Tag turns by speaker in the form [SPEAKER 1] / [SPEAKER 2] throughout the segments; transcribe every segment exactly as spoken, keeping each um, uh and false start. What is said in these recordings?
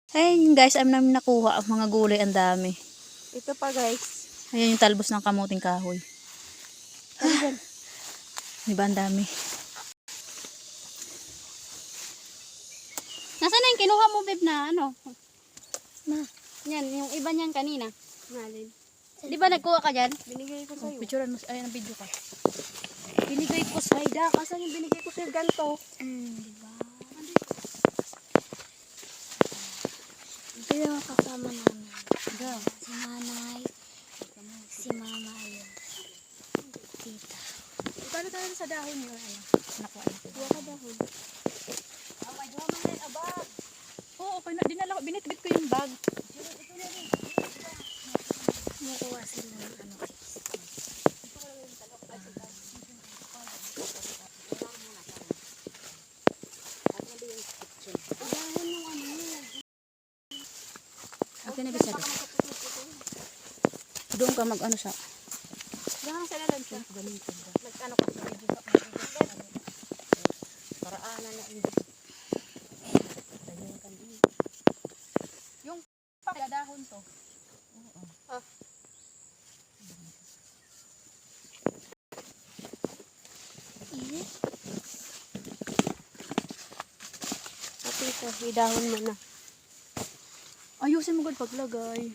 [SPEAKER 1] Ayun guys, am namin nakuha ang mga gulay, ang dami.
[SPEAKER 2] Ito pa guys.
[SPEAKER 1] Ayan yung talbos ng kamuting kahoy.
[SPEAKER 2] Ayan.
[SPEAKER 1] Diba ang dami?
[SPEAKER 3] Nasaan na yung kinuha mo, babe, na ano?
[SPEAKER 2] Na.
[SPEAKER 3] Yan, yung iba niyan kanina.
[SPEAKER 2] Nalin.
[SPEAKER 3] Di ba nagkuha ka dyan?
[SPEAKER 2] Binigay ko sa'yo.
[SPEAKER 1] Picturean mo, ayan ang video ka.
[SPEAKER 2] Binigay ko sa Haida. Kasan yung binigay ko sa'yo ganito?
[SPEAKER 3] Mm, di ba?
[SPEAKER 2] Ito yung kasama namin.
[SPEAKER 3] Go.
[SPEAKER 2] Si nanay. Si mama ayun. Tita.
[SPEAKER 1] Paano tayo sa dahon yun? Ano? Nakuha ito.
[SPEAKER 2] Kuha ka dahon.
[SPEAKER 1] Oh my God, man, a bag. Oo, okay na. Dinala ko, binitbit ko yung bag.
[SPEAKER 2] Nakuha sila ng ano.
[SPEAKER 1] Okay na bisa doon. Doon ka mag ano siya.
[SPEAKER 3] Diyan sa lalan siya.
[SPEAKER 1] Gamitin ka.
[SPEAKER 3] Nag-ano ka sa video sa
[SPEAKER 2] Paraanan na hindi.
[SPEAKER 1] Yung pakadahon to. Oo.
[SPEAKER 3] Ah.
[SPEAKER 2] Iya. Pati ito, idahon mo na.
[SPEAKER 1] Ayusin mo gud paglagay.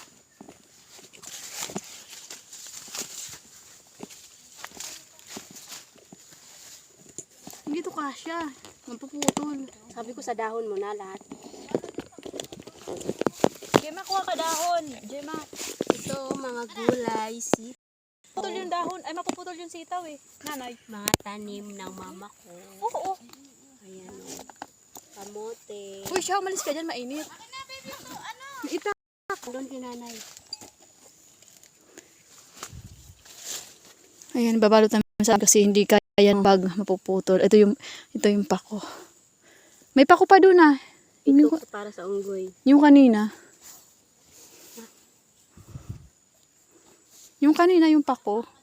[SPEAKER 1] Hindi to kasya. Magpuputol.
[SPEAKER 2] Sabi ko sa dahon mo na lahat.
[SPEAKER 1] Gemma, kuha ka dahon. Gemma.
[SPEAKER 2] Ito, mga gulay, si
[SPEAKER 1] Putol yung dahon. Ay, mapuputol yung sitaw eh. Nanay.
[SPEAKER 2] mga tanim ng mama ko.
[SPEAKER 1] Oo, oo.
[SPEAKER 2] Ayan o. Kamote.
[SPEAKER 1] Uy, siya, umalis ka dyan. Mainit. Ita.
[SPEAKER 2] Doon si nanay.
[SPEAKER 1] Ayan, babalot namin sa kasi hindi kaya ng bag mapuputol. Ito yung, ito yung pako. May pako pa doon ah.
[SPEAKER 2] Ito
[SPEAKER 1] Yung,
[SPEAKER 2] para sa unggoy.
[SPEAKER 1] yung kanina. Yung kanina yung pako.